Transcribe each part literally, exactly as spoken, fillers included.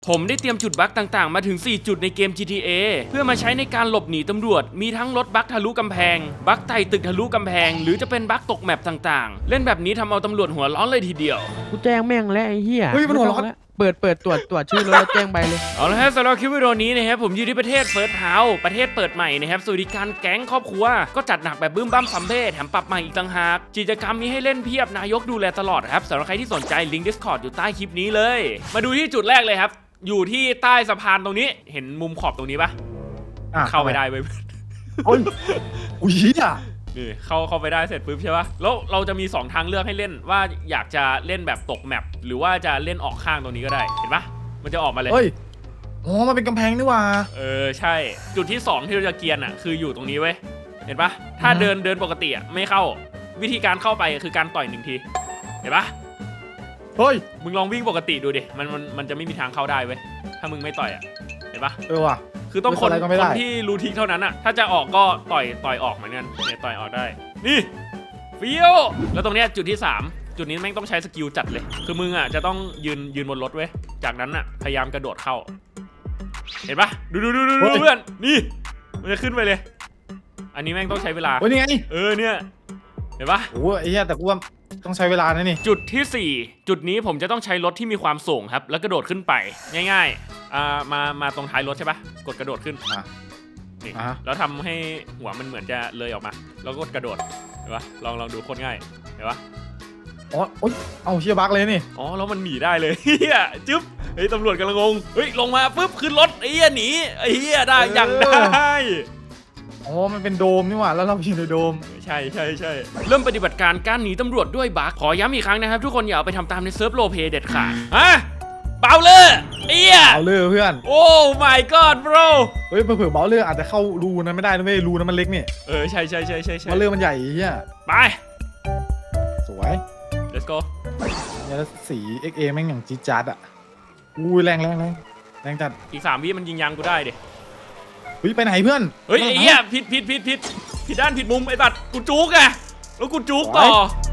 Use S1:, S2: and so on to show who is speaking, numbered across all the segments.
S1: ผมได้เตรียมจุดบั๊กต่างๆมาถึงสี่จุดในเกม จี ที เอ เพื่อมาใช้ในการหลบหนีตำรวจมีทั้งรถบั๊กทะลุกำแพงบั๊กไต่ตึกทะลุกำแพงหรือจะเป็นบั๊กตกแมปต่างๆเล่นแบบนี้ทำเอาตำรวจหัวร้อนเลยทีเดียว
S2: กูแจ้งแม่งแล้วไอ้เหี้ย
S3: เฮ้ยมันหัวร้อน
S2: เปิดเปิดตรวจตรวจชื่อรถแล้วแจ้งใบเลย
S1: เอาละฮะสำหรับคลิปวิดีโอนี้นะครับผมอยู่ที่ประเทศเฟิร์สเฮาส์ประเทศเปิดใหม่นะครับสวัสดิการแก๊งครอบครัวก็จัดหนักแบบบึ้มบั้มซัมเบ้แถมปรับใหม่อีกต่างหากกิจกรรมมีให้เล่นเพียบนายกดูแลตลอดครับสำหรับใครที่สนใจลิงก์ Discord อยู่ใต้คลิปนี้เลยมาดูที่จุดแรกเลยครับอยู่ที่ใต้สะพานตรงนี้เห็นมุมขอบตรงนี้ปะเข้าไม่ได้เว้ย
S3: โอ้ยอุ้ยอ่ะ
S1: นี่เข้าเข้าไปได้เสร็จปุ๊บใช่ปะแล้วเราจะมีสองทางเลือกให้เล่นว่าอยากจะเล่นแบบตกแมปหรือว่าจะเล่นออกข้างตรงนี้ก็ได้เห็นปะมันจะออกมาเลย
S3: เฮ้ยอ๋อมันเป็นกำแพงนี่ว่า
S1: เออใช่จุดที่สองที่เราจะเกียร์อ่ะคืออยู่ตรงนี้เว้ยเห็นปะถ้าเดินเดินปกติอ่ะไม่เข้าวิธีการเข้าไปคือการต่อยหนึ่งทีเห็นปะ
S3: เฮ้ย
S1: มึงลองวิ่งปกติดูดิมันมันมันจะไม่มีทางเข้าได้เว้ยถ้ามึงไม่ต่อยอ่ะเห็นปะ
S3: เออว่ะ
S1: คือต้องคนคนที่รู้ทิศเท่านั้นอ่ะถ้าจะออกก็ต่อยต่อยออกเหมือนกันเนี่ยต่อยออกได้นี่ฟิวแล้วตรงเนี้ยจุดที่สามจุดนี้แม่งต้องใช้สกิลจัดเลยคือมึงอ่ะจะต้องยืนยืนบนรถเว้ยจากนั้นอ่ะพยายามกระโดดเข้าเห็นปะดูดูดูดูเพื่อนนี่มันจะขึ้นไปเลยอันนี้แม่งต้องใช้เวลา
S3: โอ้ยนี่ไง
S1: เออเนี่ยเห็นปะ
S3: โอ้ยไอ้เหี้ยแต่กูว่าต้องใช้เวลานะนี่
S1: จุดที่สี่จุดนี้ผมจะต้องใช้รถที่มีความสูงครับแล้วกระโดดขึ้นไปง่ายๆอ่ามามาตรงท้ายรถใช่ปะกดกระโดดขึ้นนี่แล้วทำให้หัวมันเหมือนจะเลยออกมาแล้วก็กระโดดเห็นปะลองลองดูโคตรง่ายเห็นปะ
S3: อ๋อโอ้ยเอาเชียบักเลยนี่
S1: อ๋อแล้วมันหนีได้เลยเฮียจึ๊บเฮ้ยตำรวจกำลังงงเฮ้ยลงมาปุ๊บขึ้นรถไอ้เฮียหนีไอ้เฮียได้ยังได้
S3: อ๋อมันเป็นโดมนี่หว่าแล้วเราอยู่ในโดม
S1: ใช่ใช่ใช่เริ่มปฏิบัติการการหนีตำรวจด้วยบั๊กขอย้ำอีกครั้งนะครับทุกคนอย่าเอาไปทำตามในเซิร์ฟโรลเพลย์เด็ดขาดฮะเบาเลยเอี้ย
S3: เบาเลยเพื่อน
S1: โอ้ my god bro
S3: เฮ้ยเผื่อเบาเลยอาจจะเข้ารูนั้นไม่ได้นะเว้ยรูนั้นมันเล็กนี่
S1: เออใช่ใช่ใช่ใช่ใช่
S3: เบาเลยมันใหญ่เฮีย
S1: ไป
S3: สวย
S1: let's go
S3: เนี่ยสี เอ็กซ์ เอ แม่งอย่างจี๊ดจ๊าดอ่ะอุ้ยแรงแรงแรงแรงจัด
S1: อีกสามวิมันยิงยางกูได้ดิ
S3: เฮ้ยไปไหนเพื่อน
S1: เฮ้ยไอ้เหี้ยผิดผิดผิดผิดผิดด้านผิดมุมไอ้ตัดกูจุกไงแล้วกูจุกต่อ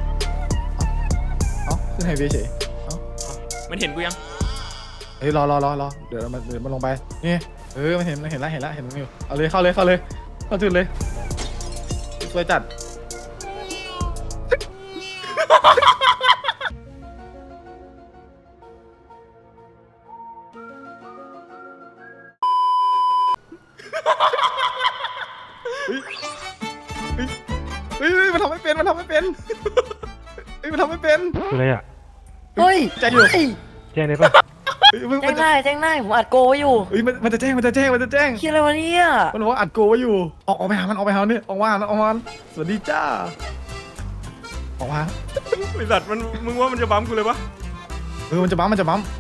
S3: เอ้าขึ้นไฮเวย์เฉยเอ้า
S1: มันเห็นกูยัง
S3: เฮ้ยรอรอรอรอเดี๋ยวมันเดี๋ยวมันลงไปนี่เออมันเห็นมันเห็นแล้วเห็นแล้วเห็นมันอยู่เอาเลยเข้าเลยเข้าเลยเข้าจุดเลยสวยจัดเฮ้ยเฮ้ยมันทำไม่เป็นมันทำไม่เป็นเฮ้ยมันทำไม่เป็น
S2: อะไรอ่ะ
S4: เฮ้ย
S3: แจ้งอยู่
S2: แจ้งได้ปะ
S4: แจ้งได้แจ้งได้ผมอัดโกไว้อยู่
S3: เฮ้ยมันมันจะแจ้งมันจะแจ้งมันจะแจ้ง
S4: คิดอะไรวะเนี่ย
S3: มันบอกว่าอัดโกไว้อยู่ออกออกไปหามันออกไปหาเนี่ยออกมาออกมาสวัสดีจ้าออกมา
S1: ไอ้สัตว์มันมึงว่ามันจะบั๊มกูเลยปะ
S3: เออมันจะบั๊มมันจะบั๊ม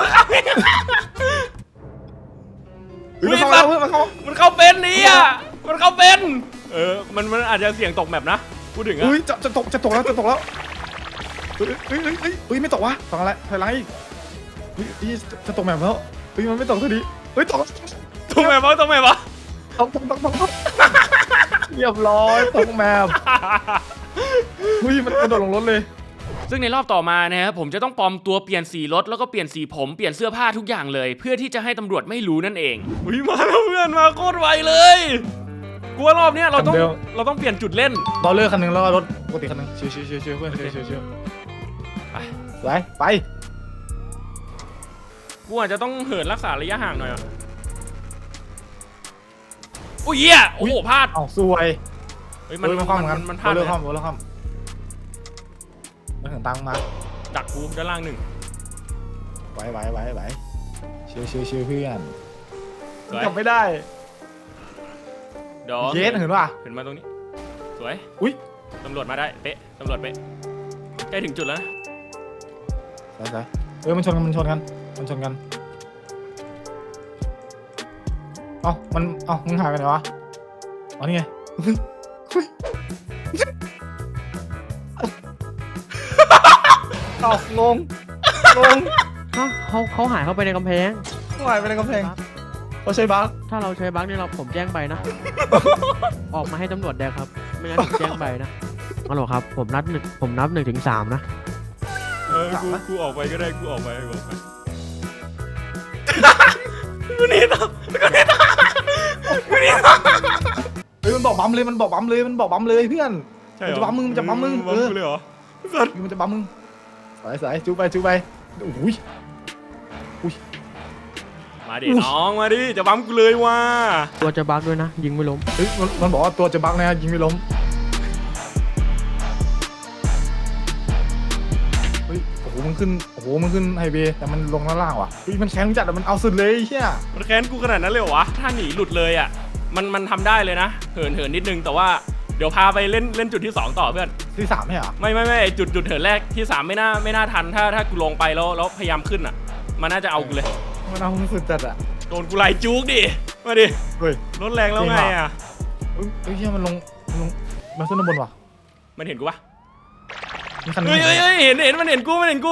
S1: มันเข้ามันเข้ามันเข้าเป็นนี่อ่ะมันเข้าเป็นเออมันมันอาจจะเสี่ยงตกแมปนะพูดถึงอ่ะ
S3: เฮ้ยจะจะตกจะตกแล้วจะตกแล้วเฮ้ยเฮ้ยเฮ้ยเฮ้ยไม่ตกวะตกอะไรถอยหลังอีกเฮ้ยจะตกแมปแล้วเฮ้ยมันไม่ตกทีนี้เฮ้ยตก
S1: ตกแมปวะตกแมปวะ
S3: ตกตกตกตกเรียบร้อยตกแมปเฮ้ยมันกระโดดลงรถเลย
S1: ซึ่งในรอบต่อมานะครับผมจะต้องปลอมตัวเปลี่ยนสีรถแล้วก็เปลี่ยนสีผมเปลี่ยนเสื้อผ้าทุกอย่างเลยเพื่อที่จะให้ตำรวจไม่รู้นั่นเองอุ้ยมาแล้วเพื่อนมาโคตรไวเลยกูว่ารอบเนี้ยเราต้องเราต้องเปลี่ยนจุดเล่น
S3: เราเลือกคันนึงแล้วรถปกติคันนึงชิวชิวชิวชิวเพื่อนชิวชิวชิวไปไปไป
S1: กูอาจจะต้องเหินรักษาระยะห่างหน่อยอ่ะอุ้ยเหี้ยโอ้โหพลาด
S3: อ้าวสวย
S1: เฮ้ยมันมันมันมันพลาด
S3: เลยข้ามเลยข้ามมันถึงตังมา
S1: ดักกูด้านล่างหนึ่ง
S3: ไหวไหวไหวไหวชิวชิวชิวเพื่อนกลับไม่ได้เย็นเห็นป่ะ
S1: เห็นมาตรงนี้สวย
S3: อุ้ย
S1: ตำรวจมาได้เป๊ะตำรวจเป๊ะใกล้ถึงจุดแล้วนะ
S3: ใช่ใช่เออมันชนกันมันชนกันมันชนกันเอ้ามันเอ้ามึงหายไปไหนวะอ๋อนี่ไงเอ้างงงง
S2: เขาเขาเขาหายเข้าไปในกำแพง
S3: เขาหายไปในกำแพงเราใช้บั๊ก
S2: ถ้าเราใช้บั๊กนี่เราผมแจ้งใบนะออกมาให้ตำรวจแดงครับไม่งั้นผมแจ้งใบนะฮัลโหลครับผมนับหนึ่งผมนับหนึ่งถึงสามนะ
S1: เออกูกูออกไปก็ได้กูออกไปกูออกไป
S3: มเลยมันบอกบัมเลยมันบอกบัมเลยเพื่อน
S1: ใช่
S3: มันจะบัมมึงมันจะบัมมึง
S1: บั
S3: เอ
S1: ม
S3: อ
S1: กูเลยเหรอสัตว์
S3: มันจะบัมมึงสายสายจูไปจูไปโอ้ย
S1: มาดิน้องมาดิจะบัมกูเลยว่ะ
S2: ตัวจะบักด้วยนะ ยิงไม่ล้ม
S3: เฮ้ยมันมันบอกว่าตัวจะบักนะยิงไม่ล้มเฮ้ยโอ้โหมันขึ้นโอ้โหมันขึ้นไฮเวย์แต่มันลงด้านล่างว่ะเฮ้ยมันแข็งจัดอะมันเอาสุดเลยเฮีย
S1: มันแค้นกูขนาดนั้นเลยเหรอวะถ้าหนีหลุดเลยอ่ะมันมันทำได้เลยนะเหินเหินนิดนึงแต่ว่าเดี๋ยวพาไปเล่นเล่นจุดที่สองต่อเพื่อน
S3: ที่สามไม่เหรอ
S1: ไม่ไม่ไม่จุดจุดเหินแรกที่สามไม่น่าไม่น่าทันถ้าถ้ากูลงไปแล้วแล้วพยายามขึ้นอ่ะมันน่าจะเอากูเลย
S3: มันเอาสุดจัดอะ
S1: โดนกูไล่จุกดิมาดิ
S3: เฮ้ย
S1: รถแรงแล้วไงอ่ะ
S3: เฮ้ยเฮ้ยเฮียมันลงมันลงมาขึ้นด้านบนว่ะ
S1: มันเห็นกูปะ
S3: มีคันนึง
S1: เฮ้ยเฮ้ยเฮ้ยเห็นเห็นมันเห็นกูมันเห็นกู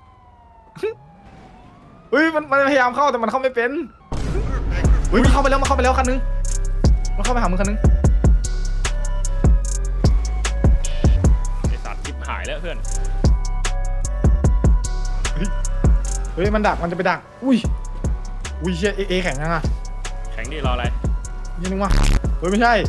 S3: เฮ้ยมันมันพยายามเข้าแต่มันเข้าไม่เป็นเฮ้ยมันเข้าไปแล้วมันเข้าไปแล้วคันนึงมันเข้าไปหามึงคันนึง
S1: ไอสัตว์จิบหายแล้วเพื่อน
S3: เฮ้ยมันดักมันจะไปดักอุ้ยอุ้ยเชี่ยเอเอแข็งยังอ่ะ
S1: แข็งดิรออะไร
S3: ยี่นึงว่ะเฮ้ยไม่ใช่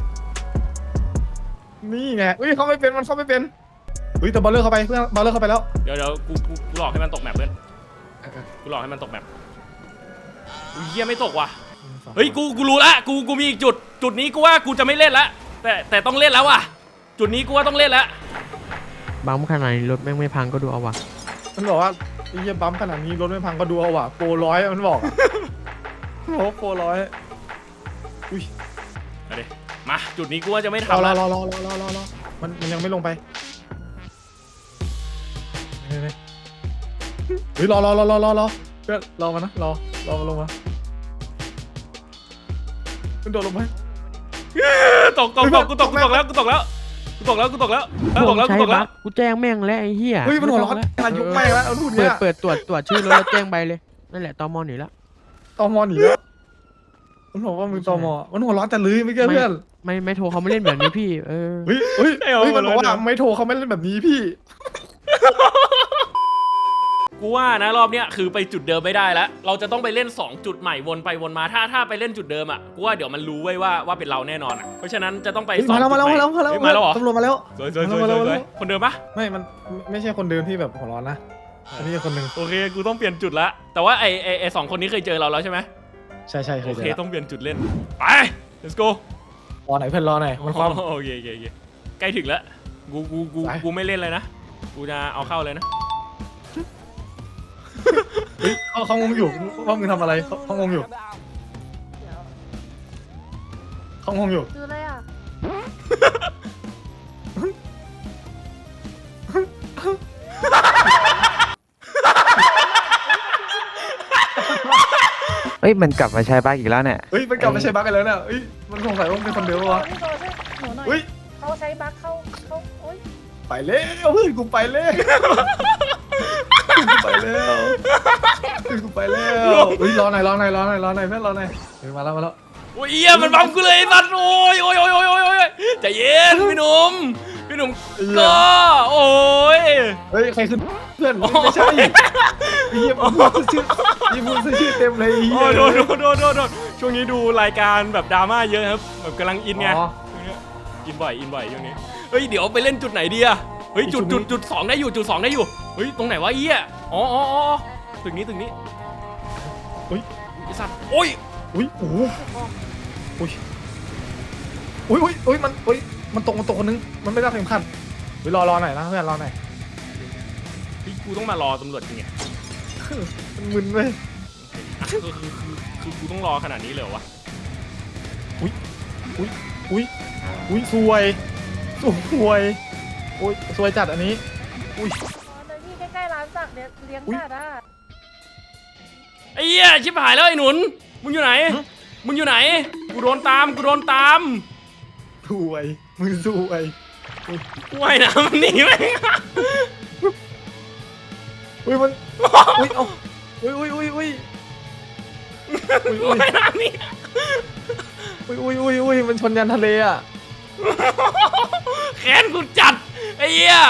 S3: นี่ไงอุ้ยเข้าไม่เป็นมันเข้าไม่เป็นเฮ้ยแต่บอลเลอร์เข้าไปเพื่อนบอลเลอร์เข้าไปแล้ว
S1: เดี๋ยวเดี๋ยวกูกูกูหลอกให้มันตกแมปเพื่อนกูหลอกให้มันตกแมปอุ้ยเหี้ยไม่ตกว่ะเฮ้ยกูกูรู้ละกูกูมีอีกจุดจุดนี้กูว่ากูจะไม่เล่นละแต่แต่ต้องเล่นแล้วว่ะจุดนี้กูว่าต้องเล่นแล้ว
S2: บัมขนาดนี้รถแม่งไม่พังก็ดูเอาว่ะ
S3: มันบอกว่าไอ้เหี้ยบัมขนาดนี้รถไม่พังก็ดูเอาว่ะโปรร้อยมันบอกอะมันบอกว่าโปรร้อยอุ้ย
S1: มาดิมาจุดนี้กูว่าจะไม่
S3: รอ
S1: ทำ
S3: รอ
S1: ละ
S3: รอรอรอรอรอรอมันมันยังไม่ลงไปเฮ้ยเฮ้ยรอรอรอรอรอรอเพื่อนรอมานะรอรอมาลงมามันโดดลงไป
S1: ตกตกตกกูตกกูตกแล้วกูตกแล้วกูตกแล้วกูตกแล้วเออตกแล้วกู
S2: ใช้
S1: ตกแล้
S2: บั
S1: ว
S2: กกูแจ้งแม่งแล้วไอ้เหี้ย
S3: เฮ้ยมันหัวร้อน
S2: ไต้
S3: อายุ
S2: ง
S3: ไม่
S2: แล้ว
S3: แล้วเอาพูด
S2: เปิ
S3: เนี้
S2: ด
S3: ย
S2: เปิดตรวจตรวจชื่อรถแล้วแจ้งใบเลยนั่นแหละตมหนีแล้ว
S3: ตอมอหนีแล้วมันบอกว่ามึงตอมอมันหัวร้อนแต่ลืมไม่แก้เพื่อน
S2: ไม่ไม่โทรเขาไม่เล่นแบบนี้พี่เออ
S3: เฮ้ยเฮ้ยเฮ้ยมันบอกว่าไม่โทรเขาไม่เล่นแบบนี้พี่
S1: กูว่านะรอบเนี้ยคือไปจุดเดิมไม่ได้แล้วเราจะต้องไปเล่นสองจุดใหม่วนไปวนมาถ้าถ้าไปเล่นจุดเดิมอ่ะกูว่าเดี๋ยวมันรู้ไว้ว่าว่าเป็นเราแน่นอนอ่ะเพราะฉะนั้นจะต้องไปสอง
S3: มาแล้วมาแล้ว
S1: จุ
S3: มา
S1: ด
S3: แล้ว
S1: ให
S3: มาแล้ว
S1: เฮ้ยมาแล้วเหรอ
S3: ตำรวจมาแล้ว
S1: สวยสวยสวย
S3: มา
S1: ส
S3: แล้ว
S1: วย
S3: มา
S1: ส
S3: แล้ว
S1: วยคนเดิมปะ
S3: ไม่มันไม่ใช่คนเดิมที่แบบหัวร้อนนะอันนี้คนหนึ่ง
S1: โอเคกูต้องเปลี่ยนจุดละแต่ว่าไอไอไอสองคนนี้เคยเจอเราแล้วใช่ไหม
S3: ใช่ใช่เค
S1: โอย
S3: เจ
S1: เค
S3: อ
S1: ต้องเปลี่ยนจุดเล่นไป let's go
S3: รอไหนเพื่อนรอไหนมันความ
S1: โอเคโอเคโอเคใกล้ถึงแล้วกูกูกู
S3: ไป
S1: กูไม่เล่นเลยนะกูจะเอาเข้าเลยนะ
S3: เฮ้ยเขาเขางงอยู่ว่ามึงทำอะไรเขาเขางงอยู่เขางงอยู่
S4: คืออะไรอ่ะ
S5: เฮ้ยมันกลับมาใช้บ้าอีกแล้วเนี่ย
S3: เฮ้ยมันกลับมาใช้บั๊กกันแล้วเนี่ยเฮ้ยมันสงสัยว่ามันเป็นคนเดิมวะ
S4: พี่โดนหนูหน่อย
S3: เฮ้ย
S4: เขาใช้บัคเข้าเข้าโอ๊ย
S3: ไปแล้วเพื่อนกูไปแล้วกูไปแล้วเพื่อนกูไปแล้วเฮ้ยรอหน่อยรอหน่อยรอหน่อยรอหน่อยเพื่อนรอหน่อยเฮ้ยมาแล้วมาแล้ว
S1: โอ้ยเอี้ยมันบังกูเลยไอ้สัตว์โอ้ยโอ้ยโอ้ยโอ้ยโอ้ยโอ้ยใจเย็นพี่หนุ่มพี่หนุ่มก็โอ้ย
S3: เฮ้ยใครขึ้นเพื่อนไม่ใช่ไอ้เหี้ยมึงพูดชื่อยี่พูดชื่อเต็มเลยไอ้เหี้
S1: โอ้
S3: ย
S1: ยโดนโดนโดนโดนโดนช่วงนี้ดูรายการแบบดราม่าเยอะครับแบบกำลังอินไง
S3: อ๋อ
S1: อินบ่อยอินบ่อยช่วงนี้เฮ้ยเดี๋ยวไปเล่นจุดไหนดีอะเฮ้ยจุด
S3: จุ
S1: จุ
S3: ด
S1: ด
S3: นี้
S1: จุดสองได้อยู่จุดสองได้อยู่เฮ้ยตรงไหนวะเอี้ยอ๋ออ๋ออ๋อตึกนี้ตึกนี้
S3: เฮ้ย
S1: ไอ้สัตว์โอ้ย
S3: อุ้ยโอ้โหอุ้ยอุ้ยอุ้ยอุ้ยมันอุ้ยมันตกมันตกคนนึงมันไม่ได้เข็มขัดเฮ้ยรอรอหน่อยนะเพื่อนรอหน่อย
S1: เฮ้ยกูต้องมารอตำรวจจริงไง
S3: มันมึนเว้ย
S1: อ่ะคือคือคือคือกูต้องรอขนาดนี้เลยเหรอวะ
S3: อุ้ยอุ้ยสวยสวยโอ้ยสวยจัดอันนี้อุ้ย
S4: อ๋อเดี๋ยวพี่ใกล้ๆร้านสักเนี่ยเลี้ยง
S3: อุ๊ย
S4: สัตว์อ่ะ
S1: ไอ้เหี้ยชิบหายแล้วไอ้หนุนมึงอยู่ไหนมึงอยู่ไหนกูโดนตามกูโดนตาม
S3: สวยมึงสวย
S1: กูว่ายน้ำมันหนีไป
S3: อุ้ยมันอุ้ยเอาอุ้ยอุ้ยอุ้ยอุ้ยอุ้ยอุ้ย
S1: ว่ายน้ำหนี่
S3: อุ้ยอุ้ยอุ้ยอุ้ยมันชนยันทะเลอ่ะ
S1: แค้นกูจัดไอ้เหี้ย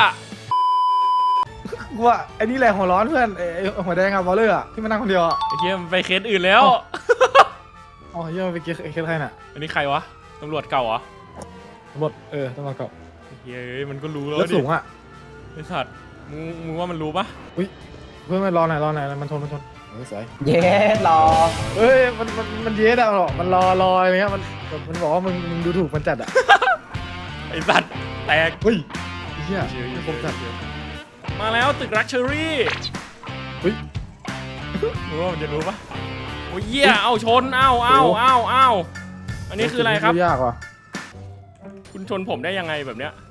S3: กูว่าไอ้นี่แหละหัวร้อนเพื่อนไอ้ไอ้หัวแดงอะบอลเลอร์อะที่มานั่งคนเดียวอะ
S1: ไอ้เหี้ยมันไปเคสอื่นแล้ว
S3: อ๋อเหี้ยมันไปเกยร์เคสใครน่ะ
S1: อันนี้ใครวะตำรวจเก่าเหรอ
S3: ตหมดเออต้องมาเกาะ
S1: เฮ้ยมันก็รู้แล้ว
S3: แล้ว
S1: ดิ
S3: สูงอ่ะ
S1: ไอ้สัตว์มึงมึงว่ามันรู้ปะ
S3: เพื่อนมันรอหน่อยรอหน่อยมันทนมันทนเฮ้ยสวย
S6: เย้รอ
S3: เฮ้ยมันมันมันเย็ดอะหรอมันรอรออะไรเงี้ยมันมันบอกว่ามึงมึงดูถูกมันจัดอะ
S1: ไอ้สัตว์แตก
S3: เฮ้ยไอ้เหี้ยไม่คมจัด
S1: มาแล้วตึกรักเชอรี่
S3: เฮ้ย
S1: มึงว่ามันจะรู้ปะโอ้ยเหี้ยเอาชนเอาเอาเอาเอาอันนี้คืออะไรครับ
S3: ยากว่ะ
S1: คุณชนผมได้ยังไงแบบเนี้ย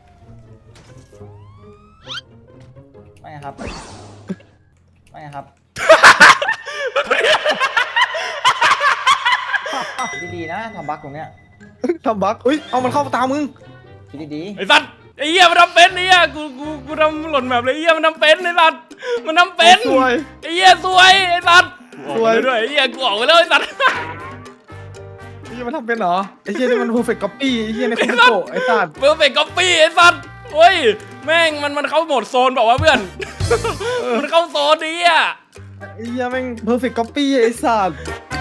S6: ไม่ครับ ไม่ครับ คิดดีๆนะทำบั๊กตรงเนี้ย
S3: ทำบั๊กเฮ้ยเอามันเข้าตามึง
S6: คิดดี
S1: ไอ้สัตว์ไอ้เหี้ยมันทำเป็นไอ้เหี้ยกูกูกูทำหล่นแบบเลยไอ้เหี้ยมันทำเป็นไอ้สัตว์มันทำเป็น
S3: สวย
S1: ไอ้เหี้ยสวยไอ้สัตว์กูออก
S3: สวย
S1: ไปด้วยไอ้เหี้ยกูออกไปแล้วไอ้สัตว์
S3: ไอ้เหี้ยมันทำเป็นเหรอไอ้เหี้ยนี่มัน perfect copy ไอ้เหี้ยในคอมพิวเตอร์ไอ้สัตว์
S1: เพื่อเป็นก๊อปปี้ไอ้สัตว์โอ้ยแม่งมันมันเข้าโหมดโซนบอกว่าวะเพื่อน มันเข้าโซนนี้อ่ะ
S3: ไอ้เหี้ยแม่ง perfect copy ไอ้สัตว์